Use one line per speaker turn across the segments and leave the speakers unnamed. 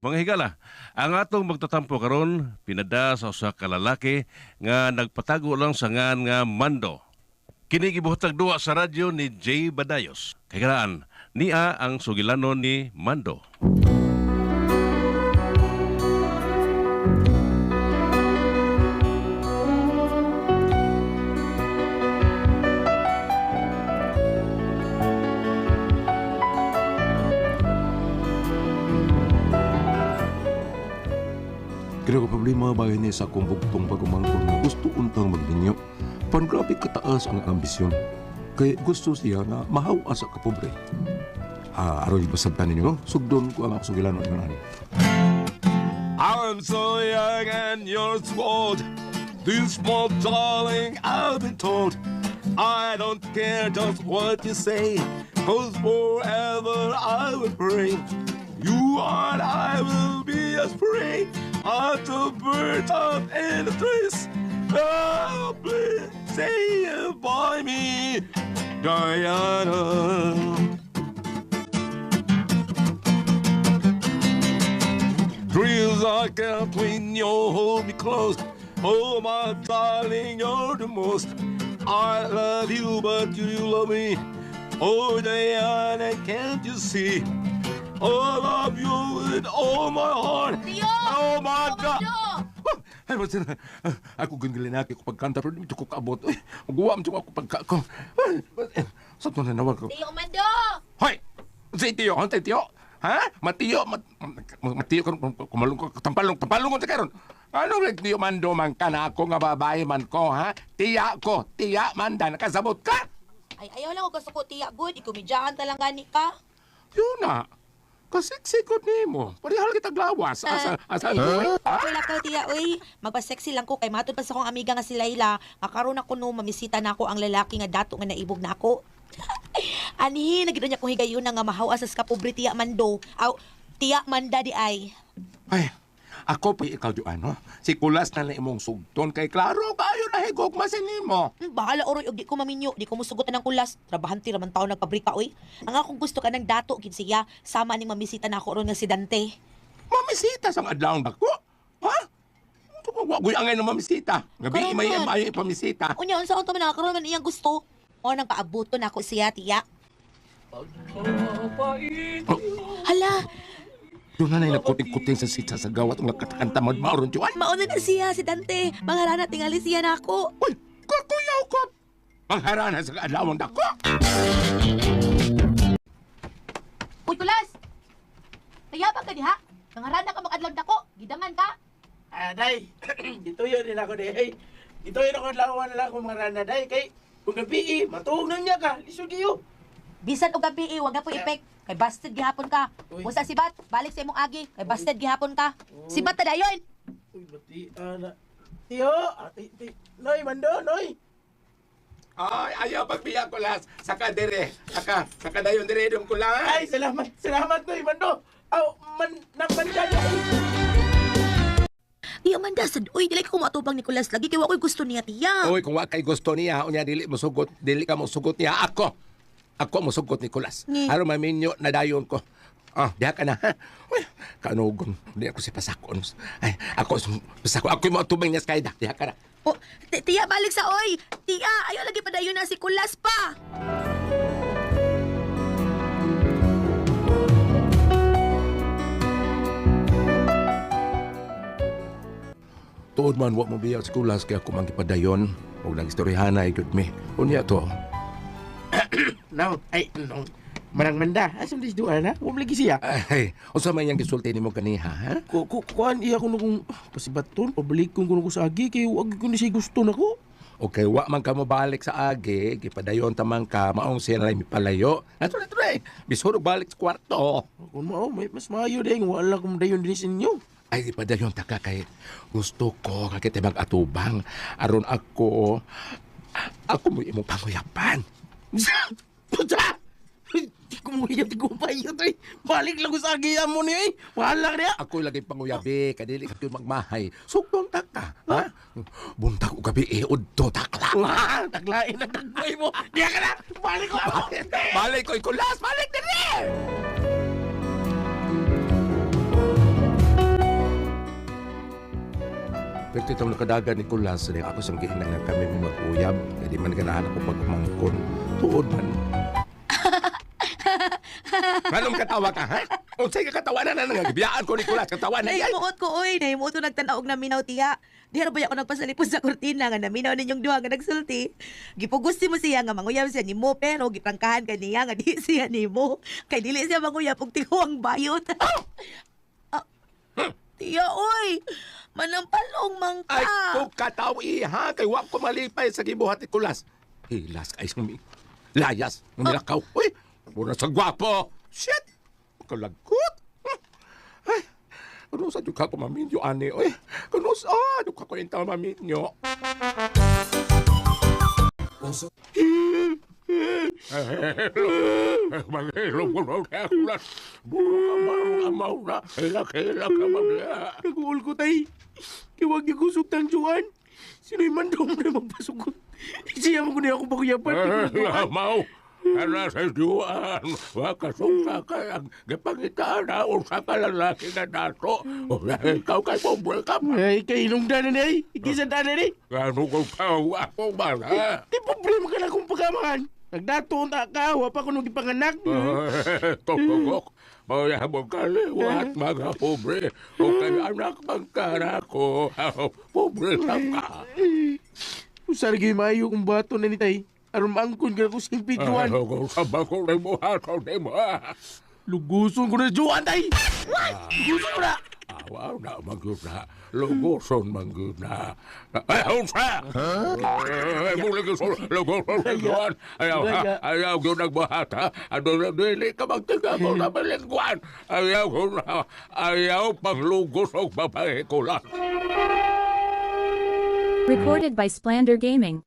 Mga higala, ang atong magtatampo karon pinada sa usa ka lalaki nga nagpatago lang sa ngan nga Mando. Kini gibuhatag duwa sa radyo ni Jay Badayos. Kay kanaan, niya ang sugilanon ni Mando.
Kaya ko problema bahay niya sa akong bugtong pagumangkon na gusto untang magninyo. Pan grabe kataas ang ambisyon. Kaya gusto siya na mahawa sa kapobre. Aron ibasabtan ninyo, sugdon ko ang akong sugilanon ng ani.
I'm so young and you're so old. This small darling, I've been told. I don't care just what you say, 'cause forever I will pray. You and I will be as free as the birds up in the trees. Oh, please say it by me, Diana. Dreams I can't when you hold me close. Oh, my darling, you're the most. I love you, but you love me. Oh, Diana, can't you see? Oh, I love you with all my heart.
Tiyo!
Oh, my God.
Ay, basta na. Ako ganggalin na ako pagkanta, pero dito ko kaabot. Ay, magawam siya ako pagkako. Sa ito na nawag ko.
Tiyo Mando!
Hoy! Si Tiyo, hantay Tiyo. Ha? Matiyo, matiyo kumalong ko, tampalong ko sa karon. Ano rin Tiyo Mando man ka na ako nga babae man ko, ha? Tiya Manda, nakasabot ka?
Ay, ayaw lang ako gusto ko, tiya, good. Ikumidyahan talang gani ka.
Yun na. Kasiksikot ni mo. Parihal kita glawas. Asan ko?
Wala ka, tiya, uy. Magpa-sexy lang ko kay matod pa sa akong amiga nga si Layla. Makaroon ako no, mamisita na ako ang lalaki nga dato nga naibog na ako. Ani, nagino niya kong higayon nga mahawa sa kapobre tiya Mando. Aw, tiya Manda di ay.
Ay, ako pa ikaw di ano. Si Kulas na lang imong sugton kay klaro kayo na higog masin mo.
Bahala oroy og di ko maminyo, di ko musugutan ng kulas. Trabahanti raman taon nagpabrika oy. Ang akong gusto ka ng dato gid siya, sama ning mamisita na ako ron nga si Dante.
Mamisita sa adlaw dako. Ha? Wagoy angay na mamisita. Gabi may
Karon man.
mayo ipamisita.
Unya unsa unta man nakakaroon man iyang gusto? O nang kaabuto na ako siya tiya. Hala,
Doon na nakuting-kuting sa sita sa gawat ng nakatakanta maron juan.
mauna na siya si Dante. Mangarana tingali siya na ako.
Uy, kuyaw ko. Mangharana sa adlaw dako.
Uy, kulas! Mayabang ka diha. Nangarana ka mag-adlaw dako. Gidangan ka.
Day, gituyo din ako, day. Gituyo ako lawan na lang akong mga rana, day. Kay, kung gabi, matuog na niya ka. Lisod iyo.
Bisan og gabi, wag na po ipek. Kay busted gihapon ka.
Uy.
Musa si Bat, balik sa imong agi. Kay busted gihapon ka. Si Bat ta dayon.
Uy, bati, ana. Tiyo, Noy, Mando, Noy.
Ay, ayaw pagbiya Kulas. Saka dire. Saka dayon dire dong Kulas.
Ay, salamat, Noy, Mando. Aw, nagmanda niya.
Di man dasad. Uy, dili ko matubang ni Kulas lagi kay wa ko'y gusto niya tiya.
Uy, kung wa kay gusto niya, unya dili ka mo sugot niya Ako mo sugot ni Kulas.
Ni?
Aron maminyo na dayon ko. Diha ka na, ha? Uy, kanugon. Di ako si Pasakon. Ay, ako yung mga tubing niya sa kayda. Diha ka na.
Oh, tiya balik sa oy. Tiya, ayo lagi pa dayon na si Kulas pa.
Tuod man, wa mo biya sa Kulas kaya ako mangipadayon. Huwag nang istoryahan na ikot me. Unya to.
No, no. Manang manda. Asam dis doa na? Huwag lagi siya.
Ay, unsa man yang gisulti nimo kaniha, ha?
Kuan iya ko nung pasibaton, pabalik ko nung sa agi, kay huwag ko ni siya gusto na ko.
Okay, wa man ka mo balik sa agi, gipadayon tamang ka, maong siya na palayo. Nato. Bisurog balik sa kwarto.
Kung mao, may mas maayo din. Wala kong dayon din sa inyo.
Ay, di pa dayon taka kay gusto ko kakit mag-atubang. Aron ako mo imong panguyapan.
Puta! Di ko mo iya, di ko paiyot eh. Balik lang ko sa agiyan mo niya eh. Wala niya.
Ako lagi panguyabi, kadili ka yun magmahay. Sugdon taka, ha? Buntag o gabi udto takla.
Taglain na tagboy mo. Diya ka na! Balik ko ako!
Balik ko, Kulas! Balik din Pero itong nakadagan ni Kulas, rin ako sang giinang nga kami mag-uyab. Kaya di man ganahan ako pagkumangkon. Tuod man. Anong katawa ka, ha? O sige, katawa na nangagibiyaan ko ni Kulas. Katawa na yan.
Nahimuot ko, oy. Nahimuot ko nagtanaog na minaw, tiya. Di ba ako nagpasalipos sa kurtina nga naminaw ninyong duha nga nagsulti. Gipugusti mo siya nga manguyab siya ni mo, pero giprangkahan ka niya nga di siya ni mo. Kay dili siya manguyab pag tiguang bayot. Tiya, oy. Manampalong man ka.
Ay, kung katawi, ha? Kay wap ko malipay sa gibuhat ni Kulas. Hilas ka isang layas. Nilakaw. Uy, muna sa gwapo. Shit! Kalagot. Ay, kano sa dyan ka ko maminyo, ani? Uy, kano sa dyan ka ko inta maminyo? Maghilom ko na Kulas. Buro ka na. Hilak ka mamaya.
Naguol ko, tay. Kiwag niyo kusog tang Juan. Sino'y mandong na magpasugot. Siya mo ko na ako pakuyapan.
Mau. Kana sa Juan, wakasungsa ka ang gapangitaan na usa ka lalaki na dato. O ikaw kay pobre ka pa.
Ay, kailong danan ay. Ikisan danan ay.
Gano'n kong tao ako ba na?
Di problema ka na kung pagkamangan. Nagdato na ka, wapa ko nung ipanganak.
Totogok, mayabong kaliwat mga pobre. O kay anak magkara ko, pobre lang ka.
Usargi mayo kung bato na ni tay. Aron maangkon ka ko sing pituan.
Kung sabang ko na mo hataw na mo.
Luguson ko na Juan tay. Luguson ko na.
Awaw na magyuna. Luguson magyuna. Ayaw sa! Muli ko sa luguson magyuna. Ayaw yun nagbuhata. Ano na dili ka magtiga mo na balingguan. Ayaw ko na. Ayaw pang lugos o babae ko lang.
Recorded by Splander Gaming.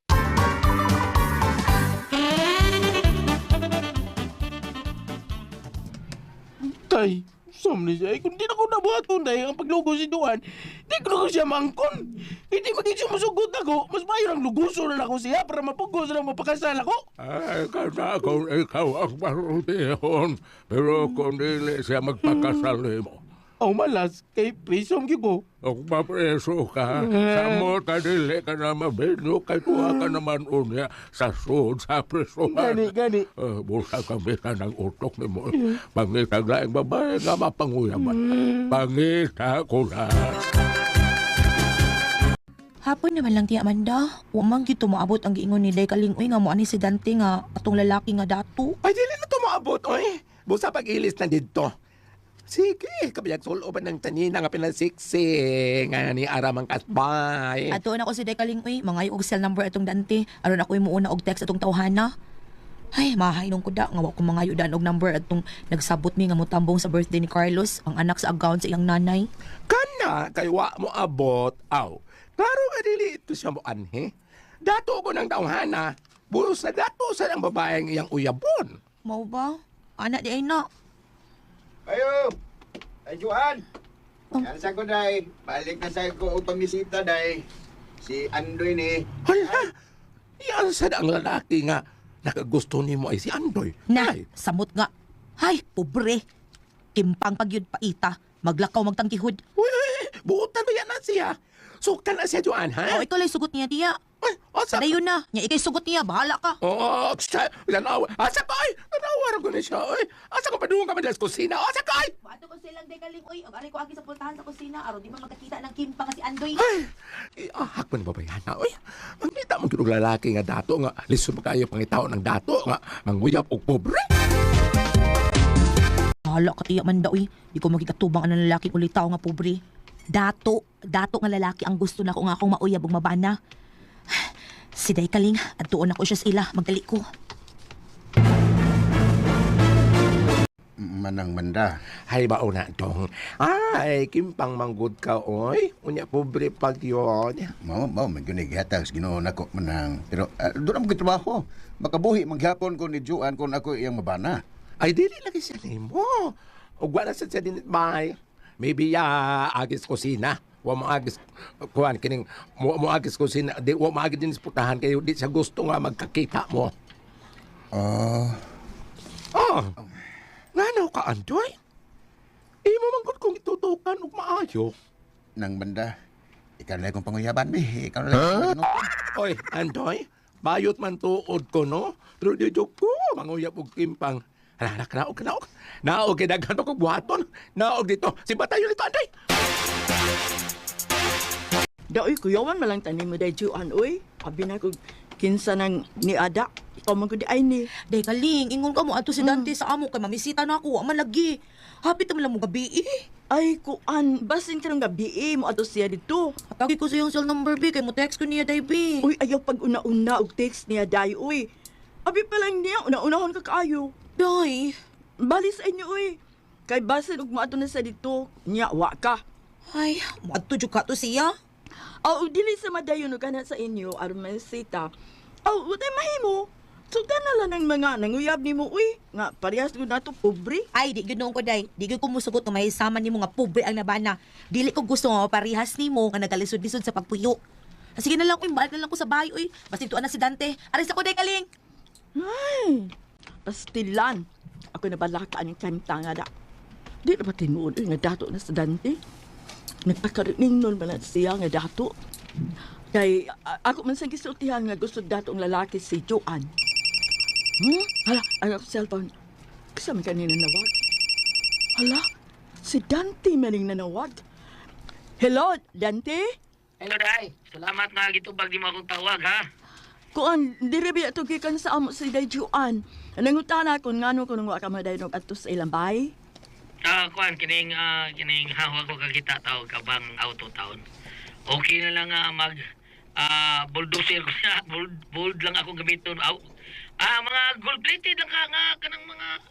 Tay, sam ni siya. Kung di na ko nabuhaton day ang paglugo si Duan, di ko na ko siya mangkon. Hindi maging siya masugot ako. Mas mayor ang luguso na ako siya para mapugos na mapakasal ako.
Ay, kana kung ikaw ang marutihon. Pero kung dili siya magpakasal mo.
Aw malas, kay prisom ko.
Kung mapreso ka, sa mo dili ka na mabinyo, kay tuwa ka naman unya sa sud sa presohan.
Gani.
Bulsa ka bisa ng utok ni mo. Pangita laing babae nga mapanguyaman. Pangita ko na.
Hapon naman lang, Tia Amanda. Umang gito maabot ang giingon ni Day Kalingoy nga mo ani si Dante nga atong lalaki nga dato.
Ay, dili na tumaabot, oy. Busa pag-ilis na dito. Sige, kabayag suloban ng tanina nga pinasiksi nga ni Aramang Kasbay.
Ato na ko si Day Kalingoy, mga og cell number atong Dante. Aron ako imuuna og text atong tawhana. Ay, mahainong ko da nga wa ko mga yudan og number atong nagsabot mi nga motambong sa birthday ni Carlos, ang anak sa account sa iyang nanay.
Kana, kay wa mo abot. Aw, klaro nga dili ito siya mo anhe. Dato ko ng tawhana. Buros na dato sa ang babaeng iyang uyabon.
Mao ba? Anak di ay na.
Ayo! Ay, Juan! Yan sa ko, day. Balik na sa ko o pamisita, day. Si Andoy ni...
Hala, yan sa ang lalaki nga nakagusto ni mo ay si Andoy.
Na,
Ay,
samot nga. Hay, pobre. Kimpang pagyud paita. Maglakaw magtangkihod.
buutan mo yan na siya. Suktan na siya, Joan, ha?
O, ikaw lang sugot niya, Tia.
Ay, asa?
Dayon na. Nya ikay sugot niya. Bahala ka.
Oh, siya, lanawa. Asa ka, ay? Nanawar ko na siya, ay. Asa ka pa doon ka man sa kusina? Asa ka, ay?
Bato ko silang dekalingoy. Ang ari ko agi sa pultahan sa kusina. Aron di man magkakita ng kimpang nga si Andoy.
Ay, iahak mo ni babayana, ay. Ang kita mo kinong lalaki nga dato, nga lisod mo kayo pangitao ng dato, nga manguyap o pobre.
Bahala ka, Tia Amanda, uy. Di ko magkikatubang ang lalaki ulit tao nga pobre. Dato nga lalaki ang gusto na ko nga akong mauyab ug mabana. Si Day Kaling, at tuon ako siya sa ila, magdali ko.
Manang Manda.
Hay ba una tong? Ay, kimpang manggod ka, oy. Unya pobre pag yun.
Mao, may ginighatag sa Ginoo nako manang. Pero doon ang trabaho. Makabuhi maghapon ko ni Juan kung ako iyang mabana.
Ay, dili lagi siya nimo. O wala sa siya din bay. Maybe agis kusina. Wa mo agis kuan kining mo agis kusina. Di wa mo agis din sa putahan kayo di siya gusto nga magkakita mo. Oh. Ngano ka, Andoy? Imo man gud kong itutukan og maayo.
Nang Manda, ikaw na lang kong panguyaban, be. Ikaw na lang kong panguyaban.
Oy, Andoy, bayot man tuod ko, no? Pero di joke ko, manguyap og kimpang. Hala, kanaog. Naog, kidaghan pa kong buhaton. Naog dito. Si Batayo nito, Andoy.
Daoy, kuyawan malang tanim mo dahi Juan, uy. Abi na ko kinsa nang ni Ada. Ikaw man ko di ay ni.
Day kaling, ingon ka mo ato si Dante sa amo kay mamisita na ako, man lagi. Hapit naman lang mo gabi
Ay, kuan, basin ka ng gabi mo ato siya dito.
Atagi ko sa iyong cell number, B, kay mo text ko niya, day, B.
Uy, ayaw pag una-una og text niya dahi, uy. Abi pa lang niya, una-unahon ka kaayo.
Day.
Bali sa inyo, uy. Kay basin og maato na sa dito, niya, wa ka.
Ay, maadto jud ka to siya.
Aw, dili sa madayon og kana sa inyo, aron masita. Aw, utay mahimo. Sugdan na lang ng mga nanguyab nimo, uy. Nga, parehas ko na to, pobre.
Ay, di ganoon ko, day. Di ko musugot na mahisaman ni mo nga pobre ang nabana. Dili ko gusto nga parihas ni mo nga nagalisod-lisod sa pagpuyo. Sige na lang, uy, balik na lang ko sa bahay, uy. Basta ito na si Dante. Aris ako, day, kaling.
Ay, pastilan. Ako na balaka ang kanta nga da. Di na ba tinuod nga dato na sa Dante? Nagpakarining nun ba na siya nga dato? Kay, ako man sa gisultihan nga gusto dato ang lalaki si Joan. Hala, ang ako cellphone. Kasama kanina nawag. Hala, si Dante maling nanawag. Hello, Dante?
Hello, Day. Salamat nga gitubag di mo akong tawag, ha?
Kuan, diri ba ito gikan sa amo si Day Joan. Nangutana ko ngano ko nung waka madayon og adto sa ilang bahay.
Kuan, kining hawag ko kakita tawag ka bang auto town. Okay na lang bulldozer ko na, bold lang akong gamiton. Mga gold-plated lang ka nga, kanang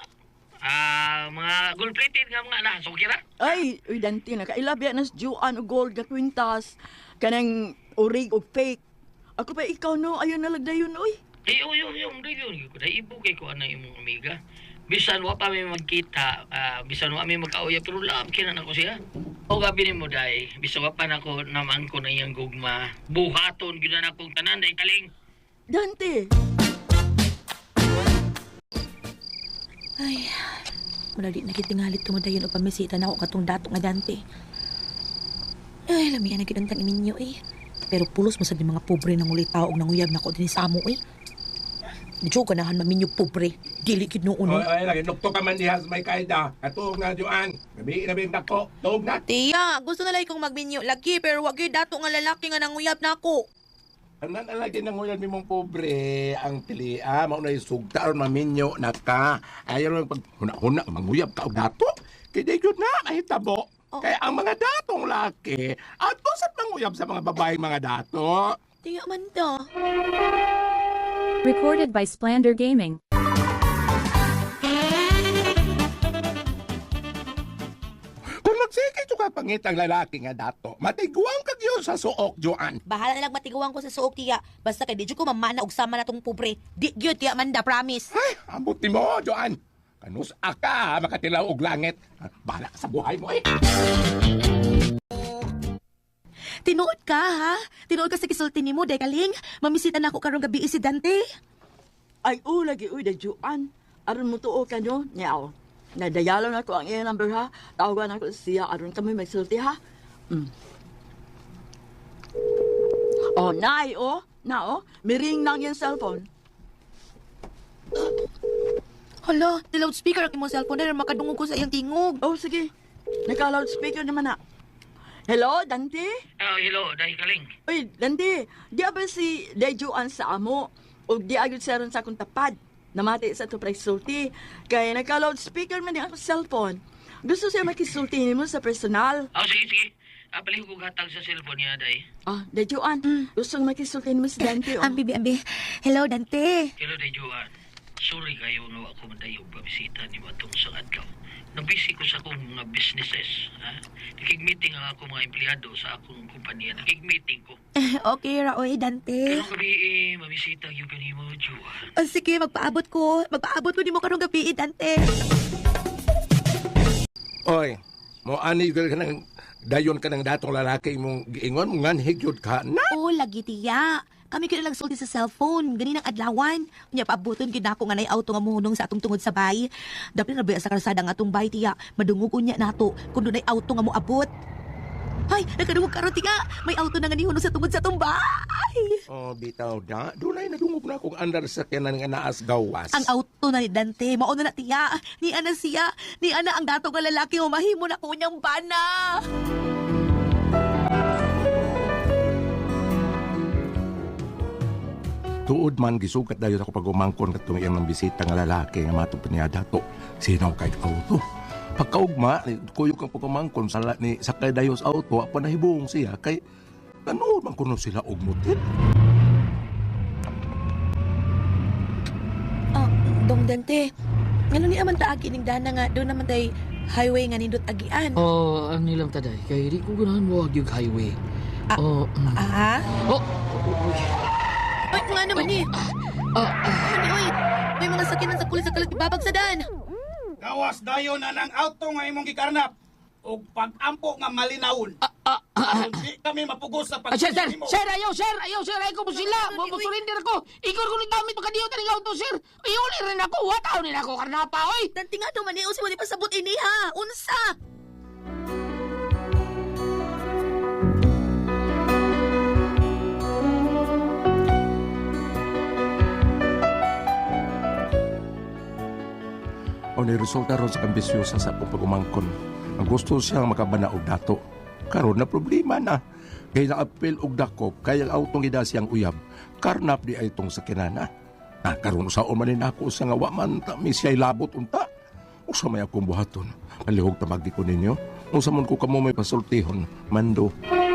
mga gold-plated nga mga na, so kira?
Ay, uy Dante, nakailabya na si Joan o gold nga kwintas. Kanang orig o fake. Ako pa ikaw no, ayun nalagdayon, uy.
Yung review ko, ibo kay ko ana imong amiga. Bisan wa pa may magkita, bisan wa may magkauya, pero lam kinan ako siya. O gabi ni mo day, bisan wa pa nako naman ko na iyang gugma. Buhaton gyud na akong tanan day kaling.
Dante!
Ay, malali nakitingalit tumadayon o pamisita na ako katong dato nga Dante. Ay, lamihan na kitang ninyo, eh. Pero pulos mo sa di mga pobre nang ulit tao og nanguyab na ko din sa amo, eh. Medyo ganahan maminyo pobre. Dili kid nung uno.
Oy, lagi nukto ka man dihas may kaida. Katuog na, Joan. Gabi na bintak ko. Tuog na.
Tiya, gusto na lang ikong magminyo lagi, pero wag gyud dato nga lalaki nga nanguyab na ako.
Anan lagi nang ulan mi mong pobre ang pilia mao na isugta aron maminyo na ka. Ayaw lang pag huna-huna manguyab ka og dato. Kay di gyud na mahitabo. Kaya ang mga datong laki at sa manguyab sa mga babaeng mga dato.
Tiya man to.
Recorded by Splander Gaming.
Kung magsikit ka pangit ang lalaki nga dato, matiguang ka yun sa suok, Joan.
Bahala na lang matiguan ko sa suok, tiya. Basta kay di jud ko mamana og sama na tong pobre. Di gyud tiya Manda, promise.
Ay, ambot ni mo, Joan. Kanus aka, makatilaw og langit. Bahala ka sa buhay mo, eh.
Tinuod ka, ha? Tinuod ka sa kisulti ni mo, day kaling. Mamisita na ako karong gabi si Dante.
Ay, lagi, uy, da Joan. Aron mo tuo ka nyo, niyaw. Nadayalo na ko ang iyong number, ha? Tawagan ako siya, aron kami magsulti, ha? Oh, nay, miring nang yung cellphone.
Hala, di loudspeaker ang imong cellphone na makadungog ko sa iyang tingog.
Oh, sige. Naka-loudspeaker naman na. Hello, Dante?
Hello, day kaling.
Uy, Dante, di ba si Dejuan sa amo? O di agad siya ron sa akong tapad? Namati sa ito presulti. Kaya naka-loudspeaker man yung akong cellphone. Gusto siya makisulti mo sa personal.
Sige. Balik ko gatag sa cellphone niya, day.
Dejuan, gusto makisulti mo si Dante.
Ambi. Hello, Dante.
Hello, day Joan. Sorry kayo no ako madayog pabisita ni matong sa adlaw. Nabisi ko sa akong mga businesses. Nakig-meeting ang akong mga empleyado sa akong kumpanya. Nakig-meeting ko.
Okay, Raoy, Dante.
Karong gabi mamisita yung kanimo, Joan.
Sige, magpaabot ko. Magpaabot ko di mo karong gabi, Dante.
Oy, mo ani ka ng dayon ka ng datong lalaki mong giingon mo nganhig yun ka na.
Oo, lagi tiya. Kami kaya lang sulti sa cellphone. Ganin ang adlawan. Kanya paabuton gid ako nga nay auto nga muhunong sa atong tungod sa bay. Dapat na ba sa kalsada nga atong bay tiya. Madungog unya nato kung dunay auto nga moabot. Ay, nakadungog karon tiga. May auto na nga ni Huno sa tungod sa tumbay.
Oh, bitaw da. Dunay nadungog na kung andar sa kanan nga naas gawas.
Ang auto na ni Dante, mauna na tiya. Ni ana siya, ni ana ang dato nga lalaki o mahimo na ko niyang bana.
Tuod man gisukat dayon ako pag umangkon katong iyang ng bisita nga lalaki nga matupad niya dato. Sino kay auto? Pagkaugma, kuyog kang pagumangkon sa ni sakay dayon sa auto, apa nahibong siya kay ano man kuno sila og motel.
Oh, Dong Dante. Ngano ni aman taagi ning dana nga doon naman tay highway nga nindot agian.
Oh, ang nilang taday. Kaya di ko ganahan mo yung highway. Oh,
Ah?
oh,
Ay, nga naman ni. Oy, may mga sakinan sa pulis sa kalit ibabag sa daan.
Gawas dayon na ng auto nga imong gikarnap. O pag-ampo nga malinawon. Di kami mapugos sa
sir,
pag-mo.
ayaw, ayaw ko mo sila. Masulinder ako. Ikor ko nagdamit pagkadiyo taning auto, sir. Iuli rin ako. Wataw rin ako, karnapa, oy.
Dante nga daw man ni, usi mo di pasabot ini ha. Unsa?
O ni resulta ron sa ambisyosa sa akong pagumangkon. Ang gusto siya makabana og dato. Karon na problema na. Kaya naapil og dakop, kaya ang autong gida siyang uyab. Karnap di ay itong sakinana. Karon sa umanin ako sa nga waman mi siya'y labot unta. Usa may akong buhaton. Malihog tamagi ko ninyo. Usa man ko kamo may pasultihon. Mando.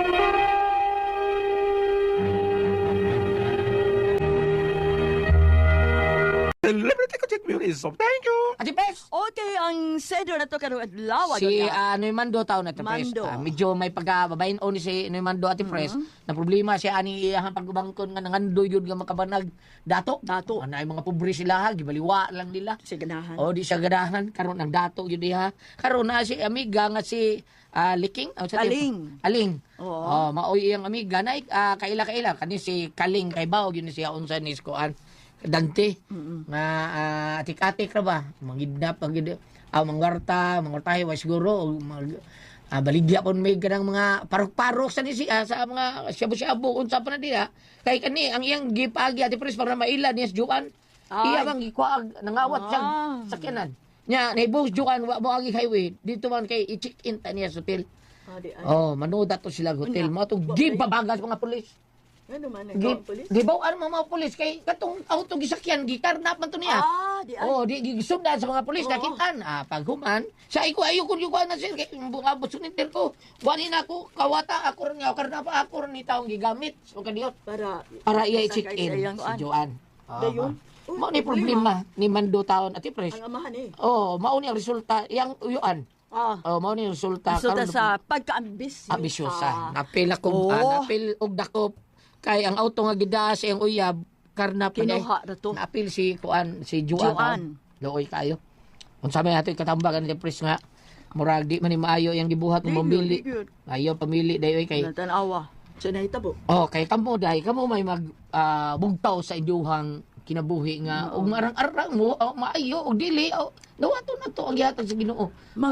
Celebrity ko check music. So, thank you.
Ati Pes,
Okay, ang seder na to karong adlaw.
si Noy Mando tao na Ati Pes.
Mando.
Medyo may pagkababayin o ni si Noy Mando Ati Pres. Na problema siya ani iyang pagbangkon nga nangandoy yun nga makabanag dato.
Dato.
Ano ay mga pobre sila ha, gibaliwa lang nila.
Si ganahan.
O di siya ganahan karon ang dato yun diha. Karon na si amiga nga si Liking.
Aling.
Aling.
Oo.
Oh, maoy iyang amiga na kaila kani si Kaling kay Bao yun siya unsa ni Skoan. Dante nga atik-atik ra ba mangidnap mangwartahe wa siguro baligya pon may ganang mga parok-parok sa siya sa mga shabu-shabu unsa pa na diha kay kani ang iyang gipagi ati pres para maila niya Juan iya bang gikuag nangawat siyang sakyanan nya naibos Juan wa mo agi highway dito man kay i-check-in ta niya sa hotel manood ato sila hotel mo to gibabagas mga pulis.
Ano man, nagkawang polis?
Gibaw mga polis kay katong auto gisakyan gikarnap man to niya.
Di ay.
Di gisundan sa mga polis nakitaan. Paghuman, sa iko ayo kun yuko na sir kay abot suninter ko. Wani na ako kawata ako ron nga karnapa ako ron ni taong gigamit. So kadiyot para iya i-check in si Joan.
Dayon.
Mao ni problema ni Mando taon at Pres.
Ang amahan
mao ni ang resulta yang uyuan. Mao ni ang resulta
Resulta sa pagka-ambisyosa.
Ambisyosa. Napil ako, napil og dakop. Kay ang auto nga gidaas ang uyab karnap
Kinuha na to.
Naapil si Juan. Looy kayo. Unsa may ato katambagan ni Pres nga murag di man ni maayo yang gibuhat mo mamili. Ayo pamili dayoy kay
Tanawa. Sa nahitabo.
kay kamo dahi kamo may mag bugtaw sa inyuhang kinabuhi nga og marang-arang mo maayo og dili dawato na to ang gihatag sa Ginoo.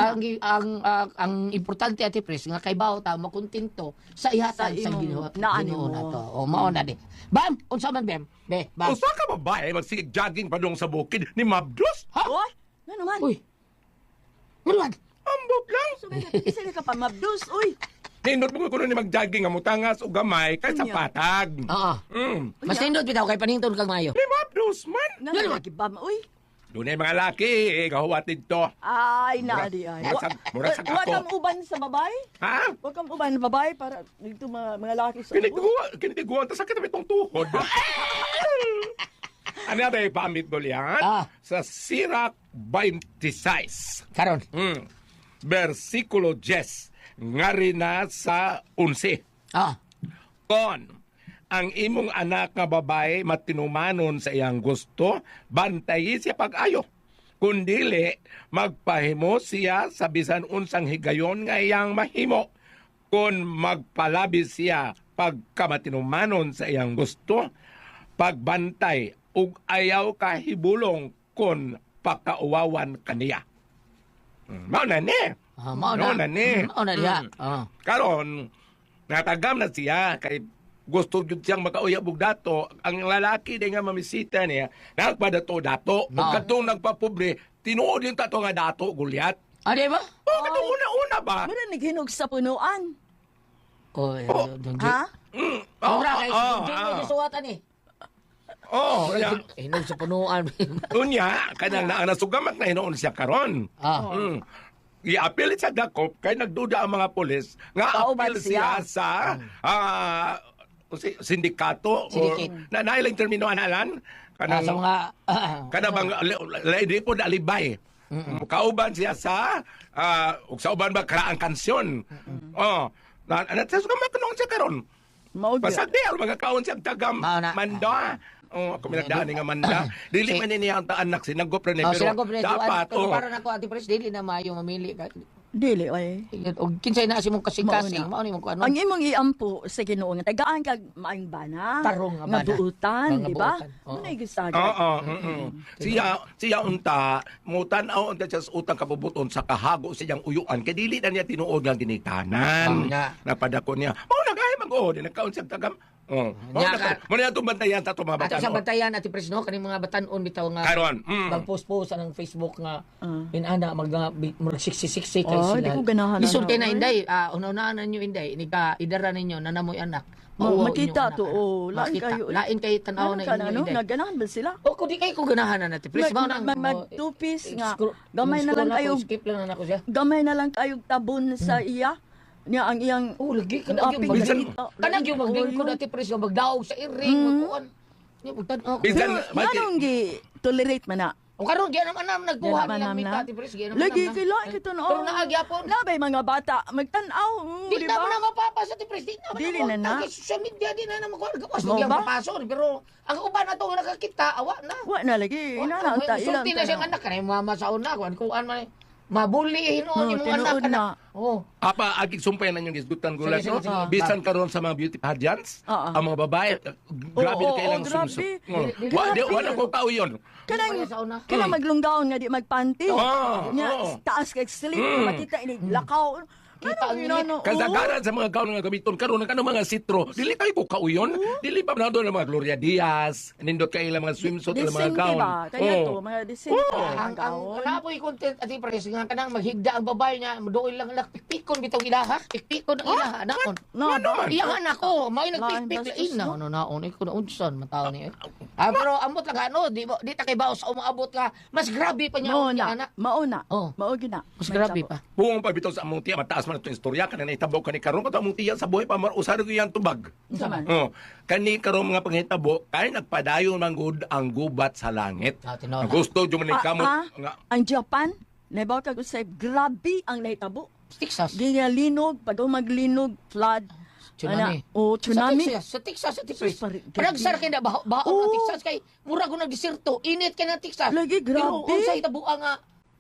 Ang importante ati Pres nga kay bawo ta makontento sa ihatag sa Ginoo. Ginoo na to. Mao na di. Bam, unsa man bem? Bam.
Usa ka babae magsig-jogging pa dong sa bukid ni Mabdos? Ha?
Oy, ano man?
Uy. Mulwag.
Ambot lang.
So, sila ka pa mabdus, uy.
Nindot mo ko ni mag-jogging nga mutangas o gamay kay sa patag.
Oo. Mas nindot bitaw kay panington kag mayo.
Ni Mabdos man.
Nangalagi ba, uy?
Doon ay mga laki, gahuwatid to.
Ay, naadi ay.
Murag sa
Huwag
ako.
kang uban sa babay?
Ha?
Huwag kang uban sa babay para dito mga laki sa
Kinitiguan, ta sakit na itong tuhod. Ano na tayo pamit dolian? Sa Sirach 26.
Karon.
Versikulo 10. Ngari na sa 11. Kon, ang imong anak nga babae matinumanon sa iyang gusto, bantayi siya pag-ayo. Kundili, magpahimo siya sa bisan unsang higayon nga iyang mahimo. Kung magpalabi siya pagkamatinumanon sa iyang gusto, pagbantay ug ayaw kahibulong kon pakauwawan kaniya. Mao na ni.
Mao na.
No, na ni.
Mao na diha.
Karon, natagam na siya kay gusto jud siyang makauyab og dato. Ang lalaki din nga mamisita niya, nagpadato-dato. Ug kadtong nagpapobre, tinuod yung tato nga dato, Gulyat.
Di ba?
Oh, kadtong una-una ba?
Mura naghinog sa punuan.
Donji.
Ha?
Ora kay Donji mo gisuwatan ni.
Oh, ya.
Hinog sa punuan.
Unya, kanang naa nasugamak na hinoon siya karon. I-appeal sa dakop kay nagduda ang mga pulis nga
Kauban
appeal siya sa sindikato o nailang termino analan
Sa mga
kada bang lady po alibay. Kauban siya sa ug sa uban ba karaang kansyon. Oh, na sa sugamak noon siya karon.
Mao
Pasag diya mga kaon siya tagam mando. Oh, ako minagdaan nga manda. Dili man niya ang anak sinagop rin pero dapat
para nako Ate Pres dili na maayo mamili ka.
Dili ay.
Og kinsay na si mong kasing-kasing, mao ni mong kuan.
Ang imong iampo sa Ginoo nga tagaan kag maayong bana.
Tarong nga
nga
bana.
buutan,
Nga
di ba?
buutan.
Ano ay gusto
Siya unta mutan-aw unta siya sa utang kabubuton sa kahago siyang uyuan kay dili na niya tinuod lang dinitanan. Napadako niya. Oh, nagahi mag-o, nagkaon siya tagam. Oh. Mo na itong bantayan sa itong mga
Ato sa
batanon.
bantayan Ate Pres no kaning mga batanon bitaw nga
Karon.
magpost-post ng Facebook nga inana mag siksik kay
Oh,
sila.
di ko ganahan.
Lisod kay na Inday, una-una ninyo Inday, nika idara ninyo nanamoy anak.
Makita to, lain kayo.
Lain kay tanaw na inyo Inday.
Nagganahan ba sila?
O kung di kayo ko ganahan na Ate Pres, mao nang
Mag-two-piece nga. Gamay na lang kayo.
Skip lang na ako siya.
Gamay na lang kayo tabon sa iya. Niya ang iyang
lagi kanang yung kanang yung maglingkod Ate Pres nga magdaog sa iring magkuan. Ni bugtan ako.
Ganong gi tolerate man na.
O karon gyud naman nagkuha nilang mita Ate Pres gyud naman.
Lagi kailangan kita no.
Pero naagyapon.
Labay mga bata magtan-aw,
Di na mo na mapapasa Ate Pres, di na mo
Dili na na.
Social media di na magkuha gawas
Mo
mo
ba?
mapasok pero ang uban na to nga nakakita awa na.
Wa na lagi. Ina na ta ilang.
Sulti na siyang anak kanay mama sa una kuan man mabuli hinuon imong anak
tinuod na.
Oh.
Apa agig sumpay na yung gisgutan gulat
Sige,
no?
sige, sige.
Bisan karon sa mga beauty pageants, ang mga babae grabe
Oo,
kay lang
grabe.
sumsum.
Grabe.
Wala ko kauyon.
Kanang maglunggaon nga di magpanty.
Oo,
Nya
oo.
taas kay slip makita ini lakaw.
Kita ang init.
Kasagaran sa mga kaon nga gamiton karon ng mga sitro, dili kay ko kauyon, dili pa na doon ang mga Gloria Diaz, nindot kay ilang mga swimsuit ilang mga
Disente
gown.
ba? Kaya to, mga disente.
Ang napoy content Ate Pres nga kanang maghigda ang babae niya doon lang pikpikon bitong ilaha pikpikon ang ilaha anakon.
No,
Iyang anak ko, may nagpikpik lain na ano naon ko na unsan mataw ni. Pero ambot lang ano, di ta kay baos sa umaabot ka, mas grabe pa niya ang anak.
Mauna.
Oh.
Mao gina.
Mas grabe pa.
Buong pa bitaw sa among tiya mataas man itong istorya kanina itabo kani karon ko among tiya sa buhay pa usar ko yang tubag. Oh, kani karon mga panghitabo kay nagpadayon man gud ang gubat sa langit. Ang gusto jud man kamot nga
Ang Japan, nabaw kag usay grabe ang nahitabo.
Texas.
Gingalinog, pag maglinog, flood.
Tsunami.
Tsunami.
Sa Texas, Ate Pres. Ragsar kay na baho na Texas kay mura ko nagdesierto. Init kay na Texas.
Lagi grabe.
Pero unsay tabuan nga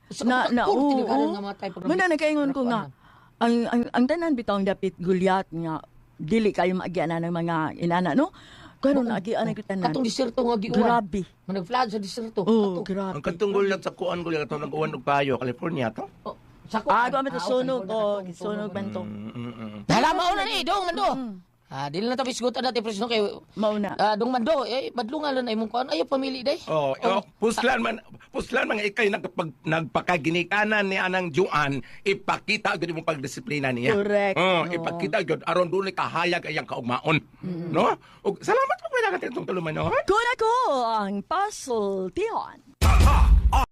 Muna nakaingon ko nga ang tanan bitong dapit gulyat nga dili kayo maagianan ng mga inana no. Karon agian ko tanan.
Katong desierto nga giuwan.
Grabe.
Manag-flood sa desierto.
Grabe.
ang katungol lang sa kuan ko lang atong nag-uwan og payo California to.
Kami to sunog sunog man to.
Nalamaw na ni dong mando. Dili na ta bisgutan Ate Pres no kay
mauna.
Dong mando badlungan lang imong kuan ayo pamili day.
Puslan man ikay nagpakaginikanan ni anang Juan ipakita gud imong pagdisiplina niya.
Correct.
Ipakita gud aron dunay kahayag ayang kaugmaon. No? Ug salamat po kay nagatong tuluman no.
Kun ako ang puzzle Tion.